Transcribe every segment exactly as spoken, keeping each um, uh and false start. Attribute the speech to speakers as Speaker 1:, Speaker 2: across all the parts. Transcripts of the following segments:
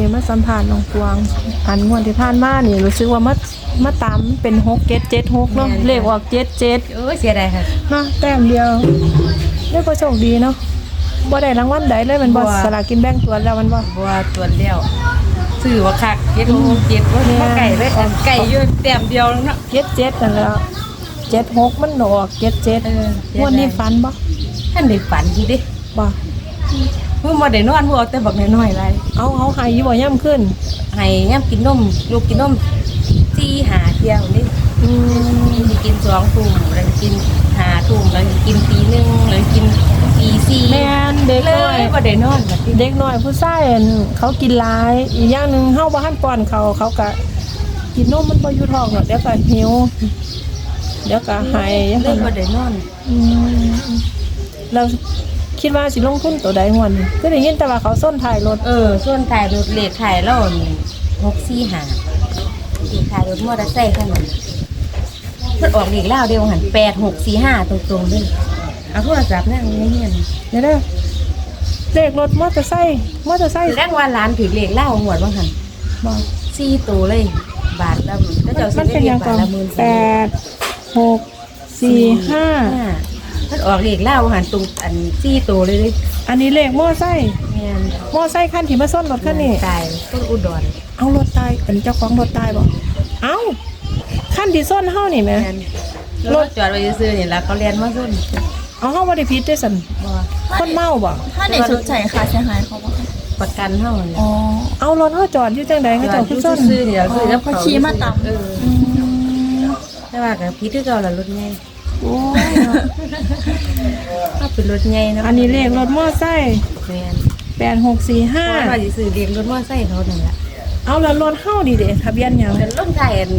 Speaker 1: มาสัมภาษณ์น้องกวางอันงวดที่ผ่านมานี่รู้สึกว่ามามาตามเป็นหกเจ็ดเจ็ดหกเนาะเลขออกเจ็ดเจ็ด
Speaker 2: โอ้ยเสียดายค่ะ
Speaker 1: ฮะแต้มเดียวได้ก็โชคดีเนาะบ่ได้รางวัลใดเลยมันบ่สลากกินแบ่งตัวแล้วมันบ่
Speaker 2: บัวตัวเดียวซื้อว่าคักเจ็ดหกเจ็ดว่าไก่เลยอันไก่อยู่แต้มเดียวเนาะ
Speaker 1: เจ็ดเจ็ดนั่นแหละเจ็ดหกมันออกเจ็ดเจ็ดงวดนี้ฝันบ่
Speaker 2: ท่านได้ฝันอยู่ดิ
Speaker 1: บ่
Speaker 2: เมื่อมาได้นอนพวกแต่บักน้อยๆไร
Speaker 1: เอาเอาให้อยู่บ่ย่ำขึ้น
Speaker 2: ให้ย่ำกินนมลูกกินนมสี่หาเที่ยวนี่อืมกินสองทุ่มแล้วกินหาทุ่มแล้วกินตีหนึ่งแล้วกินตีสี่
Speaker 1: แม่นเด็กน้อย
Speaker 2: บ่ได้นอน
Speaker 1: เด็กน้อยผู้ชายเขากินหลายอีกอย่างนึงเฮาบ่ทันป้อนเขาเขาก็กินนมมันบ่อยู่ท้องเนาะเดี๋ยวก็หิวเดี๋ยวก็หาย
Speaker 2: เล่นบ่ได้นอน
Speaker 1: อืมเราคิดว่าสิลงทุนตัวใดงวดนี้คือได้ยินแต่ว่าเขาส้นถ่ายรถ
Speaker 2: เออส่วนถ่ายรถเลขถ่ายแล้วหกสี่หาเลขถ่ายรถมอเตอร์ไซค์คันนั้นมันออกเลขแล้วเดียวหันแปดหกสี่ห้าตรงๆเลยเอาโทรศัพท์นั่งในเฮียน
Speaker 1: เดี๋ยวเด้อเลขรถมอเตอร์ไซค์มอเตอร์ไซค์
Speaker 2: แรกว่าร้านถือเลขเล่าหมวดว่าหัน
Speaker 1: บ่
Speaker 2: สี่ตัวเลยบาทละก็เจ้าสิได้เรียกบาทละหมื่น
Speaker 1: แปดหกสี่ห้า
Speaker 2: มันออกเลขเล่าหันตรงอันสี่ตัวเลย
Speaker 1: อันนี้เลขมอไซค์
Speaker 2: แม่น
Speaker 1: มอไซค์คันที่มาซ่อนรถคันนี้
Speaker 2: ตายต้นอุดร
Speaker 1: เอารถตายเป็นเจ้าของรถตายบ่เอ้าคันที่ซ่อนเฮานี่แม่
Speaker 2: รถจอดไว้ซื่อๆนี่ล่ะเขาเรียนมาซ่อน
Speaker 1: เอาเฮาบ่ได้ผิดด้วยซั่นบ่คนเมาบ่
Speaker 3: ถ้าได้ชดใช้ค่าเสียหายเขาบ่
Speaker 2: ประกันเฮา
Speaker 1: อ๋อเอารถเฮาจอดอยู่จังได๋เขาเจ้าคือซ่อน
Speaker 2: ซื่อๆนี่ล่ะคือแล้ว
Speaker 3: เขาขี่มาตามเออ
Speaker 2: แต่ว่าก็ผิดคือเก่าล่ะรถใหญ่
Speaker 1: โอ้ย
Speaker 2: ถ้าเป็นรถใหญ่นะ
Speaker 1: อันนี้เลขรถมอไซค์
Speaker 2: แม่น
Speaker 1: แปดหกสี่ห้า
Speaker 2: ว่าสิซื้อเลขรถมอไซค์เขานั่นล่ะ
Speaker 1: เอาแล้วรถเฮานี่เด้ทะเบียนหยัง
Speaker 2: เป็นรถไทยอัน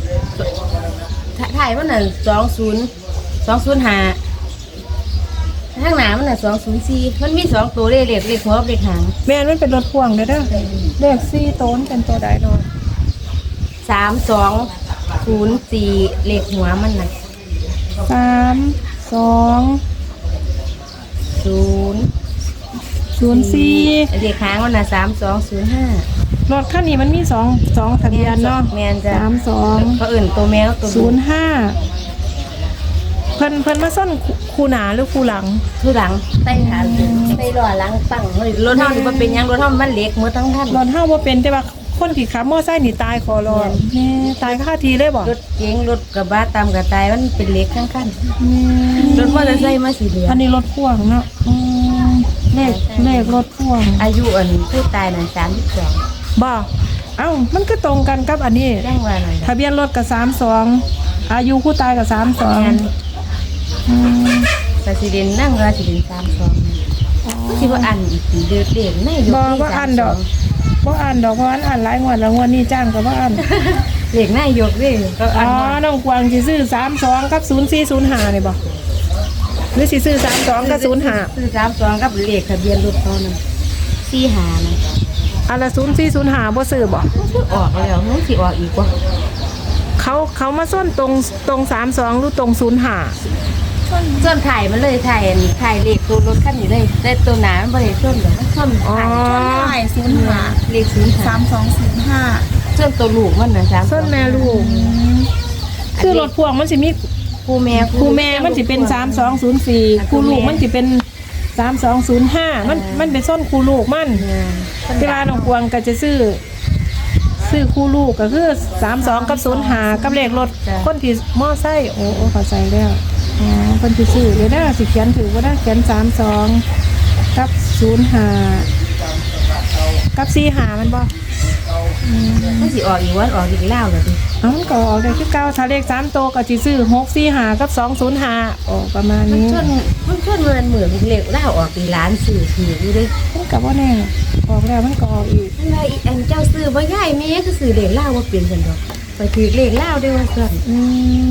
Speaker 2: ไทยมันน่ะสองศูนย์ สองศูนย์ห้าข้างหน้ามันน่ะสองศูนย์สี่มันมีสองตัวเลขเลขเลขหัวเลขหาง
Speaker 1: แม่นมันเป็นรถพ่วงเด้อเด้อเลขสี่ต้นเป็นตัวใดเนาะ
Speaker 2: สามสองศูนย์สี่เลขหัวมันน่ะ
Speaker 1: สามสอง
Speaker 2: ศูนย์
Speaker 1: ศูนย์สี่
Speaker 2: เลขหางมันน่ะสามสองศูนย์ห้าร
Speaker 1: ถคันนี้มันมีสองสองทะเบียนเนาะ
Speaker 2: แม่นจ้ะ
Speaker 1: สามสอง
Speaker 2: เขาอื่นตัวแมวตัว
Speaker 1: ศูนย์ห้าเพิ่นเพิ่นมาซ่อนคู่หน้าหรือคู่หลัง
Speaker 2: คู่หลังใต้ฐานใต้ล้อหลังตั้งรถเฮานี่บ่เป็นหยังรถเฮามันเล็กหมดทั้งคัน
Speaker 1: รถเฮาบ่เป็นแต่ว่าคนที่ขับมอไซค์นี่ตายขอรอแม่ตายคาทีเลยบ่
Speaker 2: รถเก๋งรถกระบะตามกระตายมันเป็นเล็กทั้งคันรถมอเตอร์ไซค์มาสีเหลือง
Speaker 1: อันนี้รถพ่วงเนาะอืมเลขเลขรถพ่วง
Speaker 2: อายุอันผู้ตายน่ะสามสิบสอง
Speaker 1: บ่เอ้ามันก็ตรงกันกับอันนี้
Speaker 2: แจ้งว่าหน่อย
Speaker 1: ทะเบียนรถก็สามสองอายุผู้ตายก็สามสอง
Speaker 2: อืมประสิเดนนั่งราสิเดนสามสองคิดว่าอันอีกเดือดเด่นไม่ยก
Speaker 1: บ่บ่อันดอกบ่อ่านดอกเพราะอันอ่านหลายงวดแล้วงวดนี้จ้างก็บ่อ่าน
Speaker 2: เลขนายกเด้ก็
Speaker 1: อ๋อน้องกวางสิซื้อสามสองกับศูนย์สี่ศูนย์ห้านี่บ่หรือสิซื้อสามสองกับศูนย์ห้า
Speaker 2: ซื้อสามสองกับเลขทะเบียนรถเขานั่นสี่ห้านะ
Speaker 1: อันละศูนย์สี่ศูนย์ห้าบ่ซื้อบ่
Speaker 2: ออกแล้วมันสิออกอีกบ่
Speaker 1: เขาเขามาส้นตรงตรงสามสองหรือตรงศูนย์ห้า
Speaker 2: ส้นถ่ายมันเลยถ่ายถ่ายเลขตัวรถคันนี้เลยแต่ตัวหนามันบ่ได้ส้นดอกมันส้น
Speaker 3: ถ่ายถ่ายศูนย์ห้า
Speaker 2: เลขศูนย์
Speaker 3: สามสองศูนย์ห้า
Speaker 2: ส้นตัวลูกมันน่ะสาม
Speaker 1: ส้นแม่ลูกคือรถพ่วงมันสิมี
Speaker 2: คู่แม่
Speaker 1: คู่แม่มันสิเป็นสามสองศูนย์สี่คู่ลูกมันสิเป็นสามสองศูนย์ห้ามันมันเป็นส้นคู่ลูกมันที่ว่าน้องกวางก็จะซื้อซื้อคู่ลูกก็คือสามสองกับศูนย์ห้ากับเลขรถคนที่มอไซค์โอ้โอ้เข้าใจแล้วอ๋อคนที่ซื้อเดี๋ยวได้สิเขียนถือว่าได้เขียนสามสองกับศูนย์ห้ากับสี่ห้ามันบ่
Speaker 2: มันสิออกอีกวันออกอีกแล้วเลยดิ
Speaker 1: อ๋อมันก็ออกได้คือเก้าถ้าเลขสามโตก็จะซื้อหกสี่ห้ากับสองศูนย์ห้าโอ้ประมาณนี้
Speaker 2: มันชนมันชนเงินเหมือนเลขเล่าออกปีล้านสื่อถืออยู่ด้วย
Speaker 1: มันกับว่าแน่ออกแล้วมันก็ออกอีก
Speaker 2: นั่นเลยอันเจ้าซื้อว่าง่ายแม่ก็ซื้อเลขเล่าว่าเปลี่ยนกันดอกไปถือเลขเล่าด้วยว่าสั่น
Speaker 1: อืม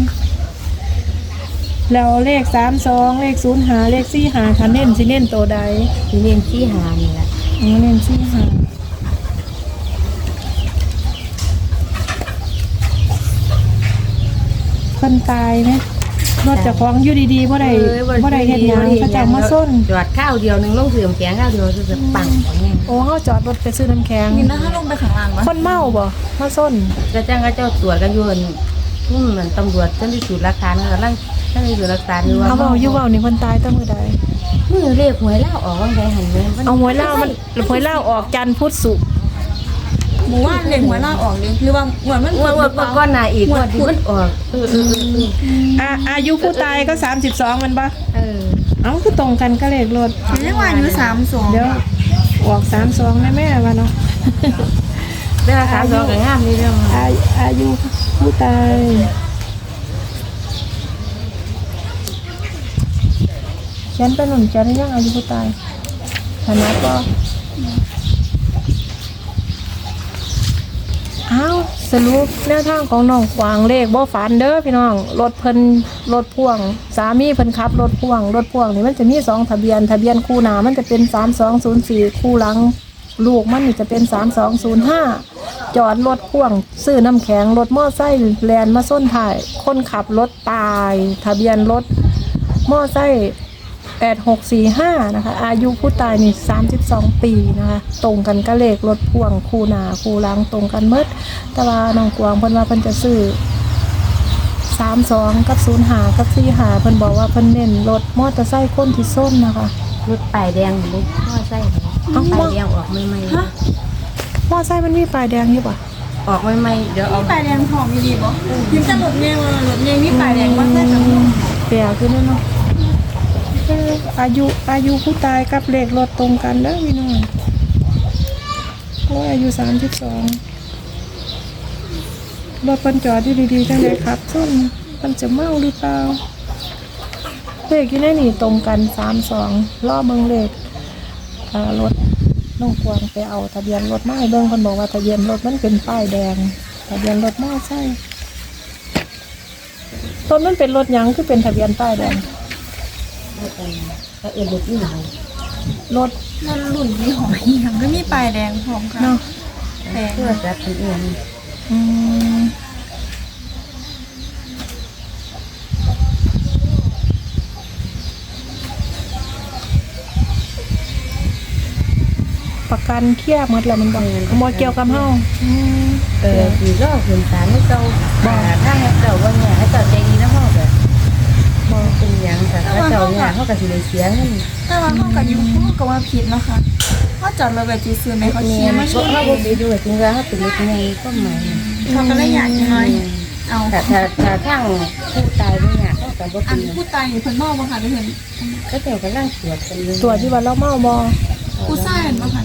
Speaker 1: แล้วเลขสามสองเลขศูนย์ห้าเลขสี่ห้าคันเน้นสิเน้นโตใด
Speaker 2: สิเน้นสี่ห้านี่แหละ
Speaker 1: อ๋อเน้นสี่ห้าคนตายไหมรถเจ้าของอยู่ดีๆบ่ได้
Speaker 2: เออ
Speaker 1: บ่ได้เฮ็ดหยังเขาเจ้ามาส้น
Speaker 2: จอดข้าวเดียวหนึงลงเสื่อมแข็งข้าวเดียวคือจะปังอย่างเงี้ย
Speaker 1: โอ้เฮาจอดรถไปซื้อน้ำแข็ง
Speaker 3: นี่นะถ้าลงไปข้างล่างมั้ย
Speaker 1: คนเมาบ่มาส้น
Speaker 2: ก็จ้างก็เจ้าตรวจกันอยู่อั่นทุ่มเหมือนตำรวจเจ้าที่สูตรหลักฐานกำลังเจ้าที่สูตรหลักฐานอยู่ว่า
Speaker 1: เอาเว้าอยู่เว้านี่เพิ่นตายตั้งมื้อใด
Speaker 2: มือเลขหวยแล้วออกว่างใดหันเลย
Speaker 1: เอาหวยเหล้ามันหวยเหล้าออกจันทร์พุธศุกร์
Speaker 3: หมู่ว่านเลยหัวล่าออกเลยหรือว่าหัวมัน
Speaker 2: งวดงวดงวดก้อนหน้าอีกงวดที่มันออกเออเออเออเออ
Speaker 1: อ่ะอายุผู้ตายก็สามสิบสองมันบ่
Speaker 2: เออ
Speaker 1: เอ้าคือตรงกันก็เลขรถ
Speaker 3: เรียกว่าอายุสามสอง
Speaker 1: เดี๋ยวออกสามสองแม่แม่ว่าเนาะ
Speaker 2: เรื่องสามสองกับงามนี่เรื่อง
Speaker 1: อาอายุผู้ตายฉันเป็นหนุ่มจะได้ยังอายุผู้ตายฐานะก็อ้าวสรุปแนวทางของน้องกวางเลขบ่ฝันเด้อพี่น้องรถเพิ่นรถพ่วงสามีเพิ่นขับรถพ่วงรถพ่วงนี่มันจะมีสองทะเบียนทะเบียนคู่หน้ามันจะเป็นสามสองศูนย์สี่คู่หลังลูกมันนี่จะเป็นสามสองศูนย์ห้าจอดรถพ่วงซื้อน้ำแข็งรถมอไซค์แลนมาส้นถ่ายคนขับรถตายทะเบียนรถมอไซค์แปดหกสี่ห้านะคะอายุผู้ตายนี่สามสิบสองปีนะคะตรงกันก็เลขรถพ่วงคู่หน้าคู่หลังตรงกันเมดแต่ว่าน้องกวางเพิ่นว่าเพิ่นจะซื้อสามสองกับศูนย์หากับสี่หาเพิ่นบอกว่าเพิ่นเน้นรถมอเตอร์ไซค์คนที่ส้นนะคะ
Speaker 2: รถป้ายแดงลูกพ่อใส่ป้ายแดงออกใหม่
Speaker 3: ฮะ
Speaker 1: มอเตอร์ไซค์มันมีไฟแดงอยู่ป่ะ
Speaker 2: ๆออกใหม่ๆเดี๋ยวเอา
Speaker 3: มีปลายแดงหอมมีดีบ่ยิ้มจะหลดเงี้ยว่ารถเงี้ยมีปลายแดงมันได้กับ
Speaker 1: แปลกขึ้นเนาะเอออายุอายุผู้ตายกับเลขรถตรงกันเด้อพี่น้องโอ้ยอายุสามสิบสองรถเพิ่นจอดอยู่ดีๆจังเลยครับส้นมันจะเมาหรือเปล่าเลขอยู่ในนี่ตรงกันสามสองล้อเบิ่งเลขเอ่อรถน้องกวางไปเอาทะเบียนรถมาให้เบิ่งเพิ่นบอกว่าทะเบียนรถมันเป็นป้ายแดงทะเบียนรถมอไซค์ต้นมันเป็นรถหยังคือเป็นทะเบียนป้ายแดง
Speaker 2: ก็เออรถนี่หน่อย
Speaker 1: รถ
Speaker 3: มันหลุ่นมีหอมอีหยังก็มีปลายแดงหอมค่ะ
Speaker 1: เนาะ
Speaker 3: แดง
Speaker 2: เพื่อจัดเป็นเอง
Speaker 1: อืมประกันเครียดหมดแล้วมันบอกบ่เกี่ยวกับเฮาอืม
Speaker 2: เออคือรอบคุณสารให้เจ้าบ่ถ้าให้เจ้าว่าเนี่ยให้เจ้าใจดีนะพ่อแบบบ่เป็นหยังแต่ถ้าเจ้าเนี่ยเขาก็สิได้เสียเงิน
Speaker 3: แต่ว่าเขากับยูเขาก็ว่าผิดเนาะค่ะเขาจอดรถแบบจีซื้อไหมเขา
Speaker 2: เนี่
Speaker 3: เชี
Speaker 2: ย
Speaker 3: ยร์
Speaker 2: มั
Speaker 3: มาน
Speaker 2: ก็
Speaker 3: ชี้
Speaker 2: เขาบ่ไปดูจริงว่าเขาเป็นรถใหญ่ก็หมาย
Speaker 3: เขาก็เลยอยากจะน้อยเอา
Speaker 2: แต่ถ้าถ้าทางผู้ตายเนี่ยเขาก็บ่
Speaker 3: อั
Speaker 2: เป็น น
Speaker 3: ผู้ตายอยู่เพิ่นมองบ่ค่ะทุกคน
Speaker 2: ก็เจ้าก็ร่างตรวจกันอยู่
Speaker 1: ตัวที่ว่าเราเมาบ่
Speaker 3: ผู้ชายเห็นบ่ค่ะ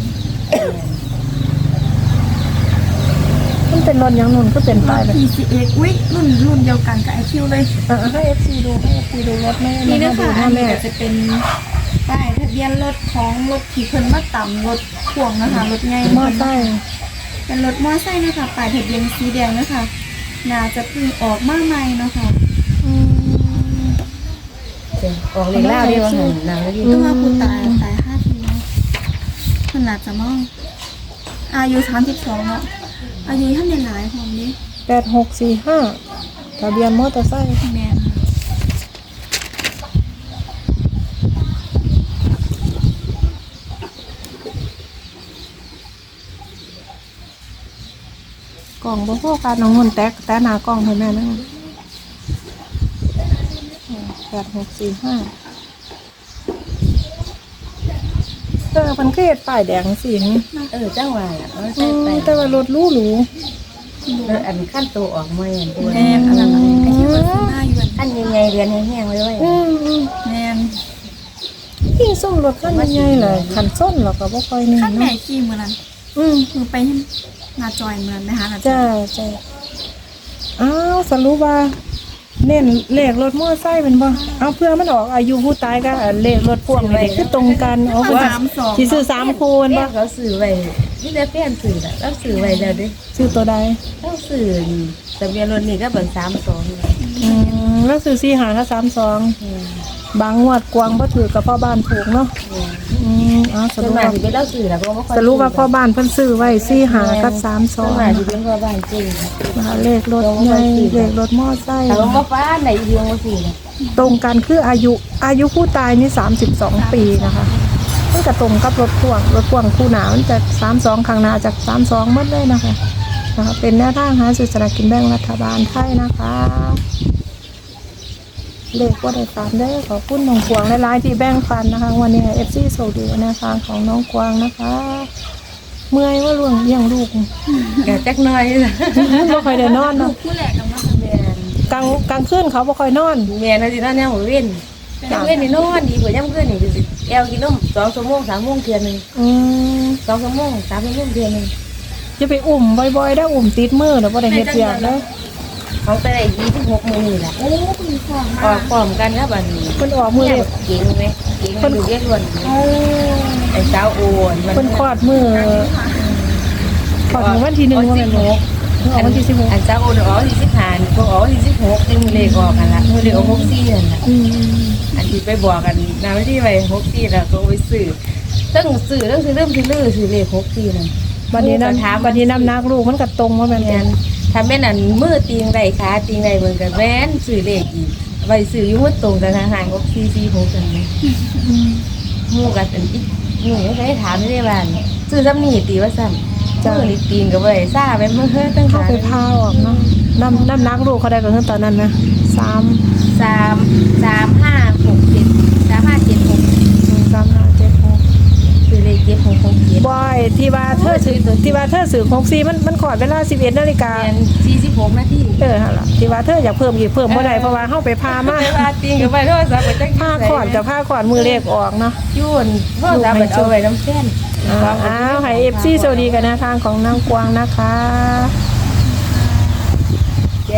Speaker 1: มันเป็นรถหยังนุ่นก็เป็น
Speaker 3: ร
Speaker 1: ป้าย
Speaker 3: ถ
Speaker 1: แบบ
Speaker 3: พี ซี เอ็กซ์ อุ้ยรุ่นรุ่นเดียวกันกับไอคิวเลย
Speaker 1: อ่ะให้ เอฟ ซี ดูให้ เอฟ ซี ดูรถแม่
Speaker 3: นี่
Speaker 1: แม่
Speaker 3: นะ
Speaker 1: ดู
Speaker 3: คะ
Speaker 1: ห
Speaker 3: อั
Speaker 1: น้าน
Speaker 3: นี้
Speaker 1: แม่
Speaker 3: ก็จะเป็นป้ายทะเบียนรถของรถที่เพิ่นมาต่ำรถพ่วงนะคะรถไง
Speaker 1: มอไซค์
Speaker 3: เป็นรถมอไซค์นะคะป้ายทะเบียนสีแดงนะคะน่าจะเพิ่งออกมาใหม่เนาะค่ะ
Speaker 1: อืม
Speaker 2: ออกเลยล่าเดียวหันนางแล้วดิ
Speaker 3: ก็ว่าผู้ตายตายห้าทีแล้วขนาดจะมองอายุสามสิบสองแล้วอายุท่านยังหลายของนี้
Speaker 1: แปดหกสี่ห้าทะเบียนมอเตอร์ไซค์
Speaker 3: แม่นค่ะ
Speaker 1: กล่องบ่พอกันน้องนุ่นแตกแต่หน้ากล่องให้แม่นั่นแปดหกสี่ห้าเออมันก็เฮ็ดป้ายแดงสิง
Speaker 2: เออจังหวะอ่ะเอา
Speaker 1: อื
Speaker 2: ใส่
Speaker 1: ม
Speaker 2: ไป
Speaker 1: แต่ว่ารถหรูหรู
Speaker 2: แล้วอันขั้นตัวออกมาอย่างตัว
Speaker 3: แม่นอันนั้นน่ะไอคิวมันซื้อหน้าอยู่
Speaker 2: ขั้นยังไงเรือนแห้งๆไว้ไว้
Speaker 1: อืมอืม
Speaker 3: แม่น
Speaker 1: ยิ่งส้มรถคันใหญ่ๆเลยคันส้นเราก็บ่ค่อยนี่
Speaker 3: ขั้นแม่
Speaker 1: เนาะ
Speaker 3: ขี่มือนั้น
Speaker 1: อืม
Speaker 3: คือไปหนาจอยเหมือนไหมคะหนาจ
Speaker 1: จ้า
Speaker 3: อย
Speaker 1: จ้าอ้าวสรุปว่า เน้นเลขรถมอไซค์เป็นบ่เอาเพื่อมันออกอายุผู้ตายก็เลขรถพ่วงนี่คือตรงกันเอาว่าสิซื้อสามคูณ
Speaker 2: แม่
Speaker 1: บ่
Speaker 2: เขาสื่อไว้นี่ได้แฟนสื่อแล้วเราสื่อไว้แล้วดิ
Speaker 1: ซื้อตัวใด
Speaker 2: เราสื่อทะเบียนรถนี่ก็เป็นสามสอง
Speaker 1: อืมแล้วซื้อสี่หากับสามสองบางงวดกวางบ่ถือกับพ่อบ้านถูกเนาะอืมเอ้าส
Speaker 2: ส่วน
Speaker 1: รุป
Speaker 2: มาก
Speaker 1: ว่า
Speaker 2: สิเป็นเราสื่อแล้วก็ไม่ค่อย
Speaker 1: สรุปว่าพ่อบ้านเพิ่นซื้อไว้สี่หากับสามส
Speaker 2: ส่
Speaker 1: อ
Speaker 2: วน
Speaker 1: ง
Speaker 2: มากสิเป็นพ่อบ้านสื่อ
Speaker 1: นะคะเลขรถใหญ่เลขรถมอไซค์
Speaker 2: แต่ว่าฟ้าไหนเดียวมาสื่อ
Speaker 3: แ
Speaker 1: ตรงกันคืออายุอายุผู้ตายนี่สามสิบสองปีนะคะมันก็ตรงกับรถพ่วงรถพ่วงคู่หนามันจะสามสองข้างหน้าจากสามสองหมดเลยนะคะนะคะเป็นแนวทางหาซื้อสลากกินแบ่งรัฐบาลไทยนะคะเลขว่าได้ตามได้อขอบคุณน้องกวางหลายๆที่แบ่งปันนะคะวันนี้เอฟซีโซดีแนวทางของน้องกวางนะคะ เมื่อยว่าล่วงเลี้ยงลูก
Speaker 2: แกจักหน้อยล่ะ
Speaker 1: ไม่ค่อยได้นอน
Speaker 3: ลู
Speaker 1: เนาะ
Speaker 3: กผู้แหลกกับมา
Speaker 2: แม่น
Speaker 1: กลางกลางคืนเขาบ่ค่อยนอน
Speaker 2: แม่นสินอนแนวหัวเว้นยามเว้นนี่นอนดีกว่ายามคืนนี่สิแอวกินนมสองชั่วโมงสามชั่วโมงเทื่อนึง
Speaker 1: อืม
Speaker 2: สองชั่วโมงสามชั่วโมงเทื่อนึง
Speaker 1: จะไปอุ่มบ่อยๆได้อุ่มติดมือเดี๋ยวบ่ได้เฮ็ดเวียกเด้อ
Speaker 2: เขาไปได้ยี่สิบหกโมงนี่แหละ
Speaker 3: โอ้คุณฟอง
Speaker 2: ออ
Speaker 3: มาก
Speaker 2: พร้อมกันครับอันนี้
Speaker 1: เพิ่นออกมือ
Speaker 2: เนี่ย
Speaker 1: เด็ก
Speaker 2: เก่งไหมเก่งมันดูเรียกล้วน
Speaker 1: โอ้
Speaker 2: ไอ้สาวโอนมัน
Speaker 1: เพิ่นคลอดมือคลอดมือวันที่หนึ่งว่าแม่นบ่เพิ่นออกวันที่สิบหก
Speaker 2: อันสาวโอนออกวันที่สิบห้าก็ออกวันที่สิบหกจึงเลขออกกันละมือเลขออกหกสี่นั่นแหละ
Speaker 1: อืม
Speaker 2: อันที่ไปบอกกันนาวันที่ไปหกสี่แล้วก็ไปซื้อตั้งซื้อตั้งซื้อเริ่มที่ลื้อซื้อเลขหกสี่นั่น
Speaker 1: บัดนี้นำบัดนี้นำนักลูกมันก็ตรงว่าแม่น
Speaker 2: แม่
Speaker 1: บ่
Speaker 2: นทำแม่นั่นมือตีงใดขาตีงใดเหมือนกันแว้นซื้อเลขอีกไว้ซื้ออยู่มือตรงกันห่างหกสี่สี่หกกันไหม
Speaker 1: อืม
Speaker 2: หมู่กันอันอีกหนูยังเคยถามไม่ได้บ้านซื้อซ้ำนี่ตีว่าซ้ำ
Speaker 1: จ้ะ
Speaker 2: มือนี่ตีนกับอะไรซ่าไปเมื่อเฮ้ตั้ง
Speaker 1: เข้า
Speaker 2: หา
Speaker 1: ไปพาออกเนาะนำนำนักลูกเขาได้ก็คือตอนนั้นนะสาม
Speaker 2: สามสามห้าหกเจ็ดสามห้าเจ็ดหก
Speaker 1: สามห้าเจ็ดหก
Speaker 2: คือเลขเจ็ดหกหกเจ็ด
Speaker 1: บอยที่ว่าเธอสื่อที่ว่าเธอสื่อของซีมันมันขอดเวลาสิบเอ็ดนาฬิกา
Speaker 2: เรียนสี่สิบหกนาที
Speaker 1: เออหั่นล่ะที่ว่าเธออยากเพิ่มอีกเพิ่มบ่ได้เพราะว่าเฮาไปพามา
Speaker 2: ไปพาตีนกับไปโทรศัพท์ไปจัง
Speaker 1: ผ้าขอดกับผ้าขอดมือเลขออกเนาะ
Speaker 2: ยุ่นโทรศัพท์ไปเอาไว้น้ำแข็ง
Speaker 1: อ้าวให้ เอฟ ซี สวัสดีกันนะทางของนางกวางนะคะ